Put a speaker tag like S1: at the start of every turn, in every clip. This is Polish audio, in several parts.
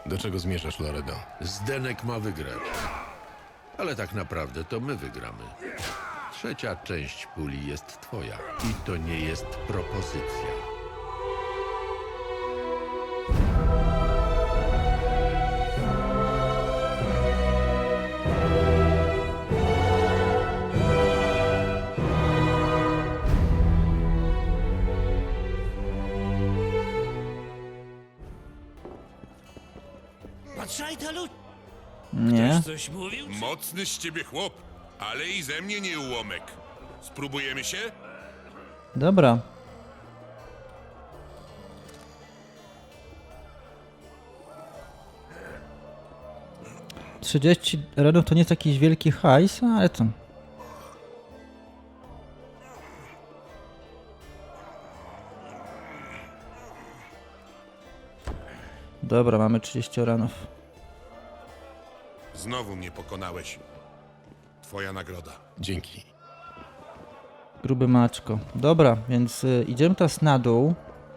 S1: Do czego zmierzasz, Loredo?
S2: Zdenek ma wygrać. Ale tak naprawdę to my wygramy. Trzecia część puli jest twoja. I to nie jest propozycja.
S3: Patrzaj, Talu,
S4: Nie.
S3: coś mówił?
S5: Mocny z ciebie chłop, ale i ze mnie nie ułomek. Spróbujemy się?
S4: Dobra. $30 to nie jest jakiś wielki hajs, ale to... Dobra, mamy 30 ranów.
S5: Znowu mnie pokonałeś. Twoja nagroda.
S1: Dzięki.
S4: Gruby maczko. Dobra, więc idziemy teraz na dół.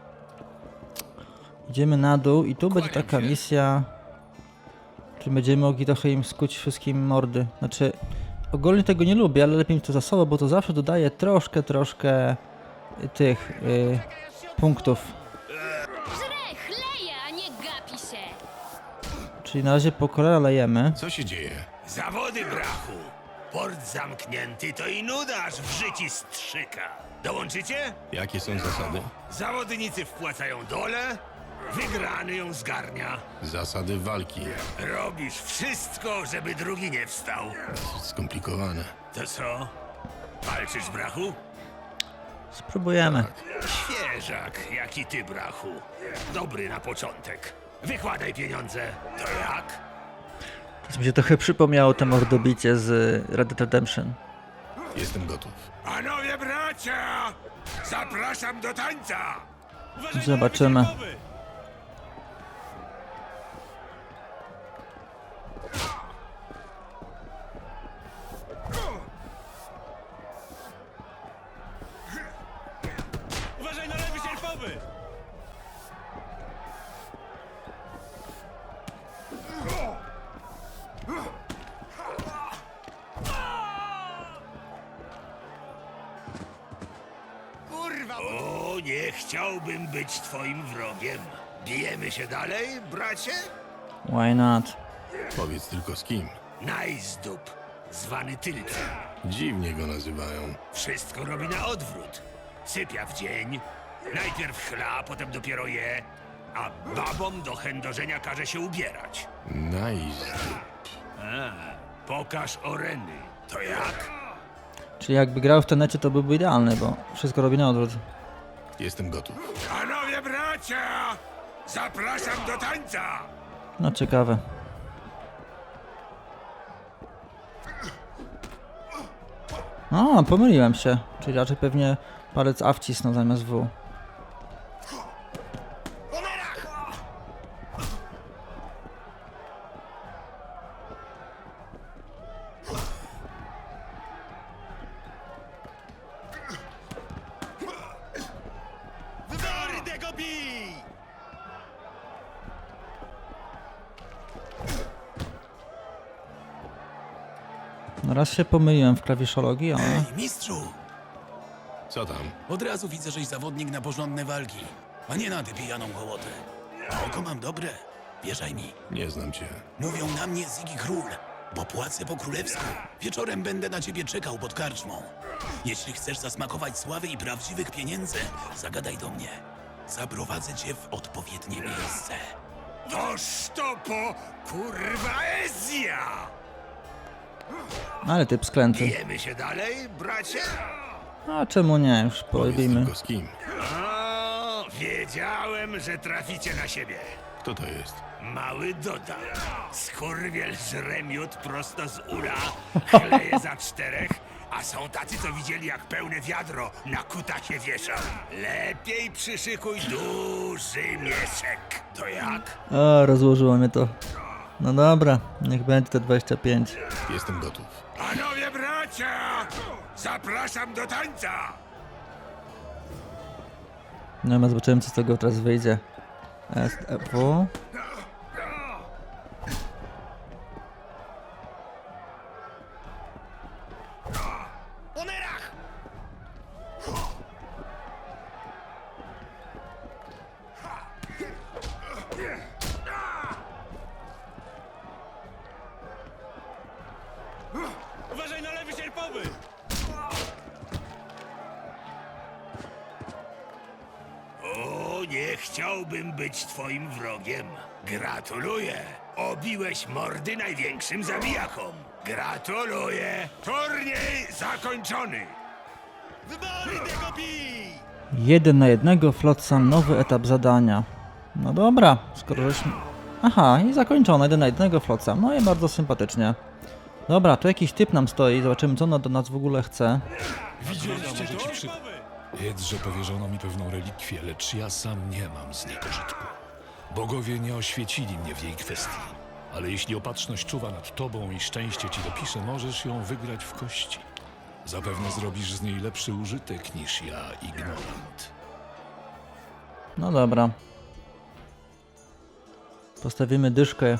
S4: Idziemy na dół i tu będzie taka misja... Czy będziemy mogli trochę im skuć wszystkim mordy. Znaczy, ogólnie tego nie lubię, ale lepiej mi to za sobą, bo to zawsze dodaje troszkę tych punktów.
S6: Żre, chleje, a nie gapi się.
S4: Czyli na razie po kolei lejemy.
S1: Co się dzieje?
S3: Zawody, brachu. Port zamknięty to i nuda, aż w życi strzyka. Dołączycie?
S1: Jakie są zasady?
S3: Zawodnicy wpłacają dole, wygrany ją zgarnia.
S1: Zasady walki.
S3: Robisz wszystko, żeby drugi nie wstał.
S1: Skomplikowane.
S3: To co? Walczysz, brachu?
S4: Spróbujemy.
S3: Świeżak, jak i ty, brachu. Dobry na początek. Wykładaj pieniądze. To jak?
S4: Teraz mi się trochę przypomniało te mordobicie z Red Dead Redemption.
S1: Jestem gotów.
S3: Panowie bracia! Zapraszam do tańca!
S4: Zobaczymy.
S3: Uważaj na lewy sierpowy! Kurwa! O, nie chciałbym być twoim wrogiem. Bijemy się dalej, bracie?
S4: Why not?
S1: Powiedz tylko z kim.
S3: Najzdób, zwany Tylcem.
S1: Dziwnie go nazywają.
S3: Wszystko robi na odwrót. Sypia w dzień, najpierw chla, potem dopiero je, a babom do chędożenia każe się ubierać.
S1: Nice.
S3: Pokaż oreny. To jak?
S4: Czyli jakby grał w tenecie, to byłby idealny, bo wszystko robi na odwrót.
S1: Jestem gotów.
S3: Panowie bracia! Zapraszam do tańca!
S4: No ciekawe. O, pomyliłem się. Czyli raczej pewnie palec A wcisnął zamiast W.
S3: Wybory go bij!
S4: No raz się pomyliłem w klawiszologii, ale...
S7: Mistrzu,
S1: Co tam?
S7: od razu widzę, żeś zawodnik na porządne walki, a nie na tę pijaną hołotę. A oko mam dobre, wierzaj mi.
S1: Nie znam cię.
S7: Mówią na mnie Ziggy Król, bo płacę po królewsku. Wieczorem będę na ciebie czekał pod karczmą. Jeśli chcesz zasmakować sławy i prawdziwych pieniędzy, zagadaj do mnie. Zaprowadzę cię w odpowiednie miejsce.
S3: Toż to po kurwa Ezja!
S4: Ale typ sklęty.
S3: Bijemy się dalej, bracie?
S4: A czemu nie? Już
S1: Powiedz
S4: porobimy.
S1: tylko z kim.
S3: O, wiedziałem, że traficie na siebie.
S1: Kto to jest?
S3: Mały Doda. Skurwiel żre miód prosto z ula, chleje za czterech, a są tacy, co widzieli, jak pełne wiadro na kutasie wieszał. Lepiej przyszykuj duży mieszek. To jak?
S4: O, rozłożyło mnie to. No dobra, niech będzie te 25.
S1: Jestem gotów.
S3: Panowie bracia! Zapraszam do tańca!
S4: No i zobaczymy, co z tego teraz wyjdzie. SFW.
S3: mam być twoim wrogiem. Gratuluję! Obiłeś mordy największym zabijakom. Gratuluję! Turniej zakończony!
S4: 1 na 1, Flotsam, nowy etap zadania. No dobra, skoro żeśmy... Aha, i zakończone, 1 na 1, Flotsam. No i bardzo sympatycznie. Dobra, tu jakiś typ nam stoi, zobaczymy co on do nas w ogóle chce.
S8: Widzieliście to? Wiedz, że powierzono mi pewną relikwię, lecz ja sam nie mam z niej pożytku. Bogowie nie oświecili mnie w jej kwestii. Ale jeśli opatrzność czuwa nad tobą i szczęście ci dopisze, możesz ją wygrać w kości. Zapewne zrobisz z niej lepszy użytek niż ja, ignorant.
S4: No dobra. Postawimy dyszkę.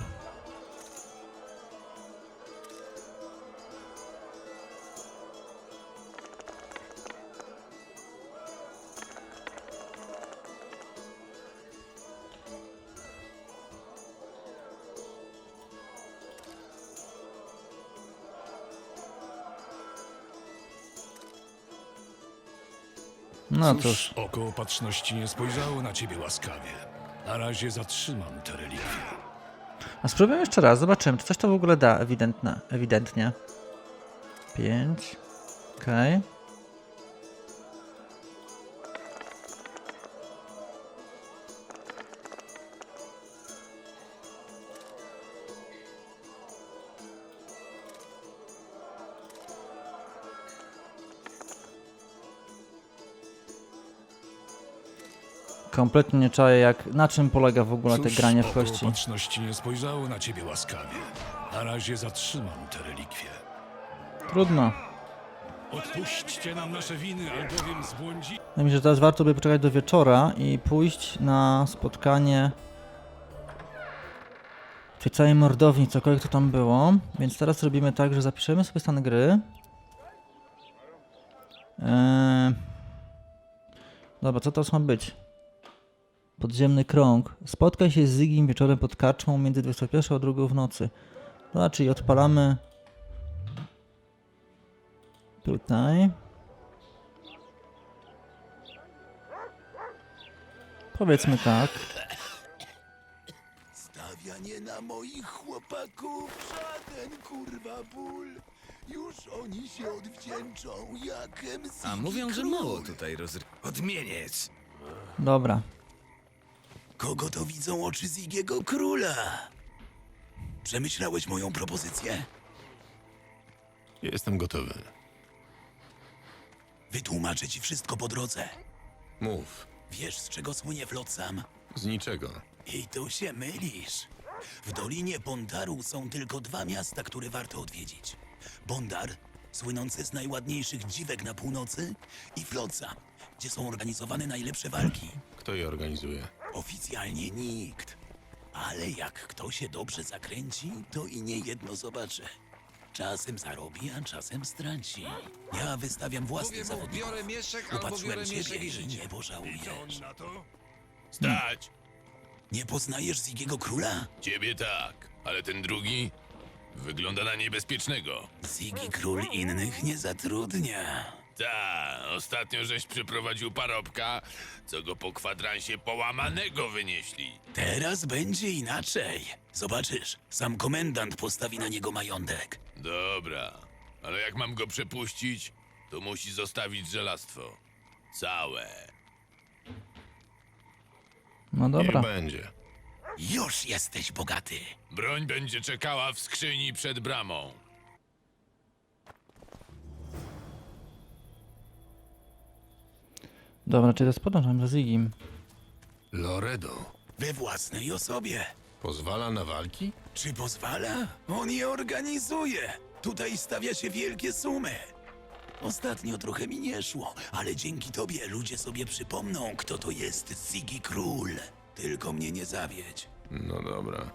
S4: No cóż.
S8: Oko opatrzności nie spojrzało na ciebie łaskawie. Na razie zatrzymam tę relikwię.
S4: A spróbujmy jeszcze raz, zobaczymy, czy coś to w ogóle da ewidentnie. 5. Okej. Kompletnie nie czaję, na czym polega w ogóle te granie w
S8: oko
S4: kości.
S8: opatrzności nie spojrzało na ciebie łaskawie. Na razie zatrzymam tę relikwię.
S4: Trudno.
S8: Odpuśćcie nam nasze winy, albowiem zbłądzi...
S4: Wydaje mi się, że teraz warto by poczekać do wieczora i pójść na spotkanie w tej całej mordowni, cokolwiek to tam było. Więc teraz robimy tak, że zapiszemy sobie stan gry. Dobra, co teraz ma być? Podziemny krąg. Spotkaj się z Zigim wieczorem pod karczmą między 21 a 2 w nocy. No, czyli odpalamy tutaj. Powiedzmy tak.
S7: Stawianie na moich chłopaków żaden kurwa ból. Już oni się odwdzięczą jak MC.
S9: A mówią, że mało tutaj
S3: Odmieniec!
S4: Dobra.
S7: Kogo to widzą oczy Zigiego Króla? Przemyślałeś moją propozycję?
S1: Jestem gotowy.
S7: Wytłumaczę ci wszystko po drodze.
S1: Mów.
S7: Wiesz, z czego słynie Flotsam?
S1: Z niczego.
S7: I tu się mylisz. W Dolinie Bondaru są tylko 2 miasta, które warto odwiedzić. Bondar, słynący z najładniejszych dziwek na północy, i Flotsam, gdzie są organizowane najlepsze walki.
S1: Kto je organizuje?
S7: Oficjalnie nikt. Ale jak kto się dobrze zakręci, to i nie jedno zobaczy. Czasem zarobi, a czasem straci. Ja wystawiam własnych zawodników.
S9: biorę mieszek albo biorę
S7: Upatrzyłem
S9: mieszek
S7: ciebie
S9: i
S7: i
S9: życie.
S7: nie pożałujesz.
S3: Na to? Stać!
S7: Nie poznajesz Zigiego Króla?
S5: Ciebie tak, ale ten drugi wygląda na niebezpiecznego.
S7: Zigi Król innych nie zatrudnia.
S5: Ta, ostatnio żeś przyprowadził parobka, co go po kwadransie połamanego wynieśli.
S7: Teraz będzie inaczej. Zobaczysz, sam komendant postawi na niego majątek.
S5: Dobra, ale jak mam go przepuścić, to musi zostawić żelastwo. Całe.
S4: No dobra.
S1: Niech będzie.
S7: Już jesteś bogaty.
S5: Broń będzie czekała w skrzyni przed bramą.
S4: Dobra, czyli teraz podążam za Zigim.
S1: Loredo.
S7: We własnej osobie.
S1: Pozwala na walki?
S7: Czy pozwala? On je organizuje. Tutaj stawia się wielkie sumy. Ostatnio trochę mi nie szło, ale dzięki tobie ludzie sobie przypomną, kto to jest Zigi Król. Tylko mnie nie zawiedź.
S1: No dobra.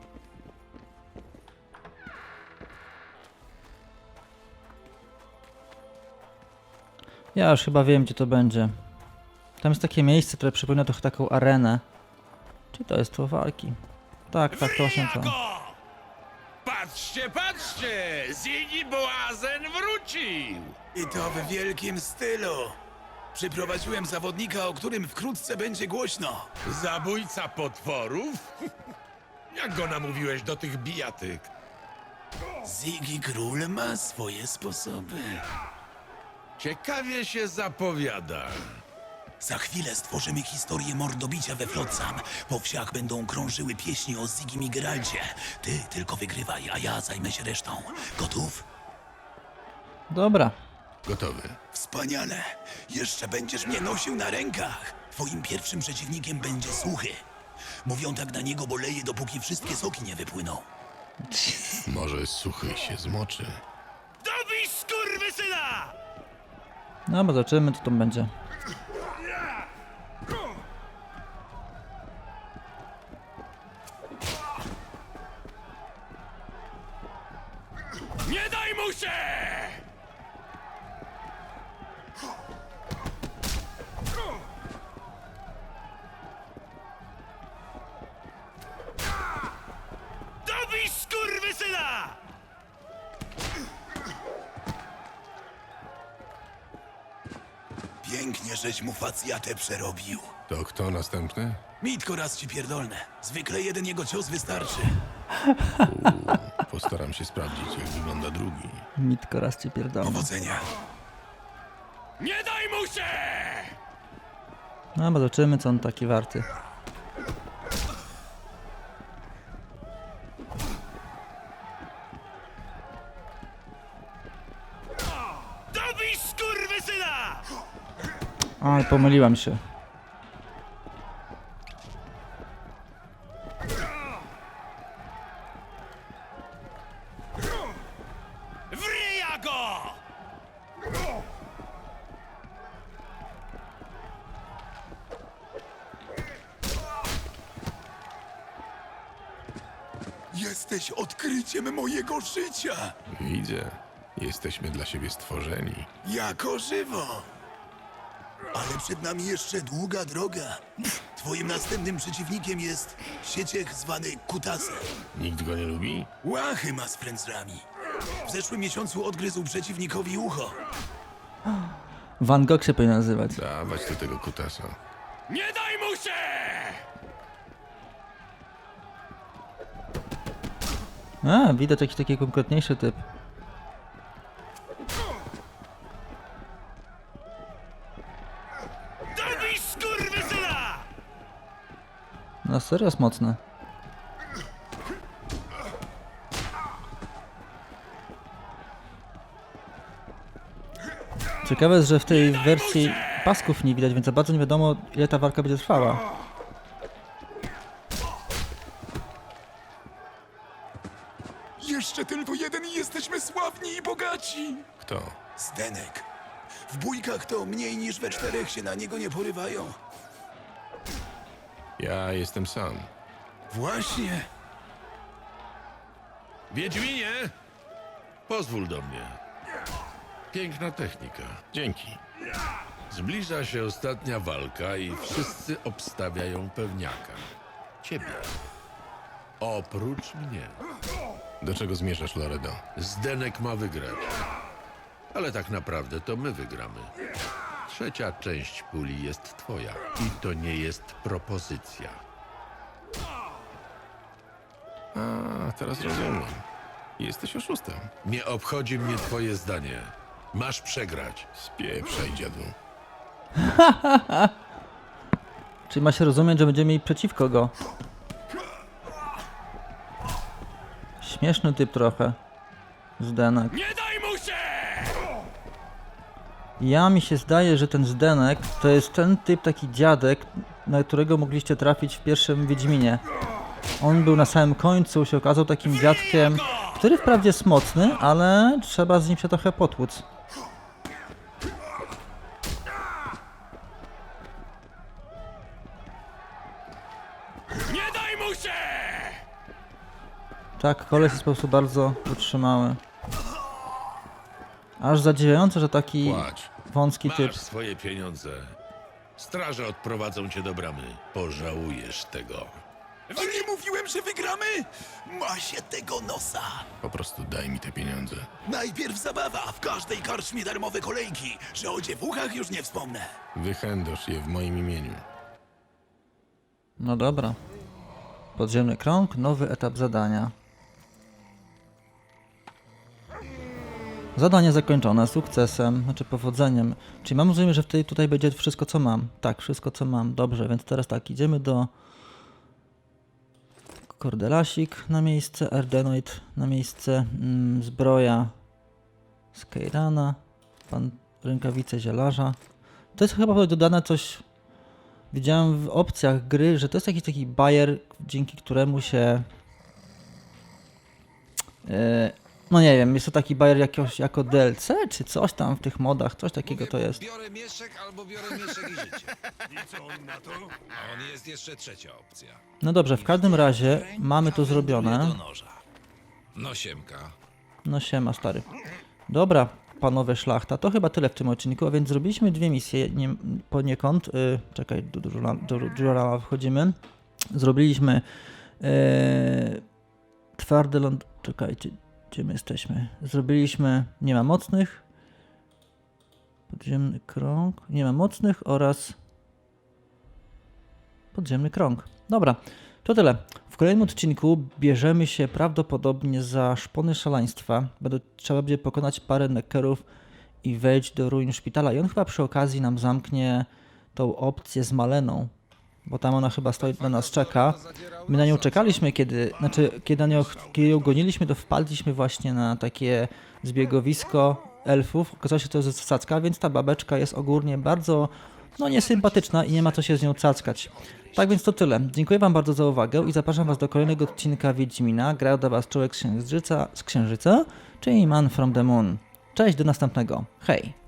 S4: Ja już chyba wiem, gdzie to będzie. Tam jest takie miejsce, które przypomina trochę taką arenę. Czy to jest to walki? Tak, tak, to właśnie to.
S3: Patrzcie, patrzcie! Ziggy Błazen wrócił!
S7: I to w wielkim stylu. Przyprowadziłem zawodnika, o którym wkrótce będzie głośno.
S2: Zabójca potworów? Jak go namówiłeś do tych bijatyk?
S7: Ziggy Król ma swoje sposoby.
S2: Ciekawie się zapowiada.
S7: Za chwilę stworzymy historię mordobicia we Flotsam. Po wsiach będą krążyły pieśni o Zigim i Geralcie. Ty tylko wygrywaj, a ja zajmę się resztą. Gotów?
S4: Dobra.
S1: Gotowy.
S7: Wspaniale. Jeszcze będziesz mnie nosił na rękach. Twoim pierwszym przeciwnikiem będzie Suchy. Mówią tak na niego, bo leje, dopóki wszystkie soki nie wypłyną.
S1: Może Suchy się zmoczy.
S3: Dobij skurwysyna!
S4: No bo zobaczymy, co tam będzie.
S3: Nie daj mu się! Dobij skurwysyna!
S7: Pięknie, żeś mu facjatę przerobił.
S1: To kto następny?
S7: Mitko raz ci pierdolne. Zwykle jeden jego cios wystarczy.
S1: Postaram się sprawdzić, jak wygląda drugi.
S4: Mitko raz cię pierdolę.
S7: Powodzenia.
S3: Nie daj mu się!
S4: No bo zobaczymy, co on taki warty.
S3: Dobij skurwysyna!
S4: Oj, pomyliłam się.
S3: Wryja go!
S7: Jesteś odkryciem mojego życia.
S1: Widzę. Jesteśmy dla siebie stworzeni.
S7: Jako żywo. Ale przed nami jeszcze długa droga. Twoim następnym przeciwnikiem jest sieciech zwany Kutasem.
S1: Nikt go nie lubi?
S7: Łachy ma z frędzlami. W zeszłym miesiącu odgryzł przeciwnikowi ucho.
S4: Van Gogh się powinien nazywać.
S1: Dawać do tego kutasa.
S3: Nie daj mu się!
S4: A, widać jakiś taki konkretniejszy typ.
S3: Dobij skurwysyna!
S4: No serio jest mocne. Ciekawe jest, że w tej wersji pasków nie widać, więc za bardzo nie wiadomo, ile ta walka będzie trwała.
S7: Jeszcze tylko jeden i jesteśmy sławni i bogaci.
S1: Kto?
S7: Zdenek. W bójkach to mniej niż we czterech się na niego nie porywają.
S1: Ja jestem sam.
S7: Właśnie.
S2: Wiedźminie! Pozwól do mnie. Piękna technika.
S1: Dzięki.
S2: Zbliża się ostatnia walka i wszyscy obstawiają pewniaka. Ciebie. Oprócz mnie.
S1: Do czego zmierzasz, Loredo?
S2: Zdenek ma wygrać. Ale tak naprawdę to my wygramy. Trzecia część puli jest twoja. I to nie jest propozycja.
S1: A, teraz rozumiem. Jesteś oszustem.
S2: Nie obchodzi mnie twoje zdanie. Masz przegrać.
S1: Spieprzaj, dziadu.
S4: Czyli ma się rozumieć, że będziemy mieli przeciwko go. Śmieszny typ trochę. Zdenek.
S3: Nie daj mu się!
S4: Ja mi się zdaje, że ten Zdenek to jest ten typ, taki dziadek, na którego mogliście trafić w pierwszym Wiedźminie. On był na samym końcu, się okazał takim dziadkiem, który wprawdzie jest mocny, ale trzeba z nim się trochę potłuc.
S3: Nie daj mu się!
S4: Tak, koleś jest po prostu bardzo wytrzymały. Aż zadziwiające, że taki
S1: Płacz.
S4: wąski typ.
S2: Masz swoje pieniądze. Straże odprowadzą cię do bramy. Pożałujesz tego.
S7: A nie mówiłem, że wygramy? Ma się tego nosa.
S1: Po prostu daj mi te pieniądze.
S7: Najpierw zabawa, w każdej karczmie darmowe kolejki, że o dziewuchach już nie wspomnę.
S1: Wychędosz je w moim imieniu.
S4: No dobra. Podziemny krąg, nowy etap zadania. Zadanie zakończone sukcesem, znaczy powodzeniem. Czyli mam rozumieć, że tutaj będzie wszystko co mam. Tak, wszystko co mam. Dobrze, więc teraz tak, idziemy do Kordelasik na miejsce, Ardenoid na miejsce, zbroja z Keirana, rękawice zielarza. To jest chyba dodane coś, widziałem w opcjach gry, że to jest jakiś taki bajer, dzięki któremu się no nie wiem, jest to taki bajer jako DLC, czy coś tam w tych modach, coś takiego to jest.
S9: Biorę mieszek albo biorę mieszek i życie.
S3: I co on na to?
S9: A on jest jeszcze trzecia opcja.
S4: No dobrze, w każdym razie mamy to zrobione.
S9: Do noża. No siemka.
S4: No siema stary. Dobra, panowie szlachta, to chyba tyle w tym odcinku, a więc zrobiliśmy dwie misje poniekąd. Czekaj, do Jurala wchodzimy. Zrobiliśmy twardy ląd... Czekajcie, gdzie my jesteśmy? Zrobiliśmy nie ma mocnych. Podziemny krąg. Nie ma mocnych oraz podziemny krąg. Dobra, to tyle. W kolejnym odcinku bierzemy się prawdopodobnie za szpony szaleństwa. Trzeba będzie pokonać parę neckerów i wejść do ruin szpitala. I on chyba przy okazji nam zamknie tą opcję z Maleną, bo tam ona chyba stoi, na nas czeka. My na nią czekaliśmy, kiedy ją goniliśmy, to wpadliśmy właśnie na takie zbiegowisko elfów. Okazało się, że to jest zasadzka, więc ta babeczka jest ogólnie bardzo niesympatyczna i nie ma co się z nią cackać. Tak więc to tyle. Dziękuję wam bardzo za uwagę i zapraszam was do kolejnego odcinka Wiedźmina. Grał do was człowiek z Księżyca, czyli Man from the Moon. Cześć, do następnego. Hej!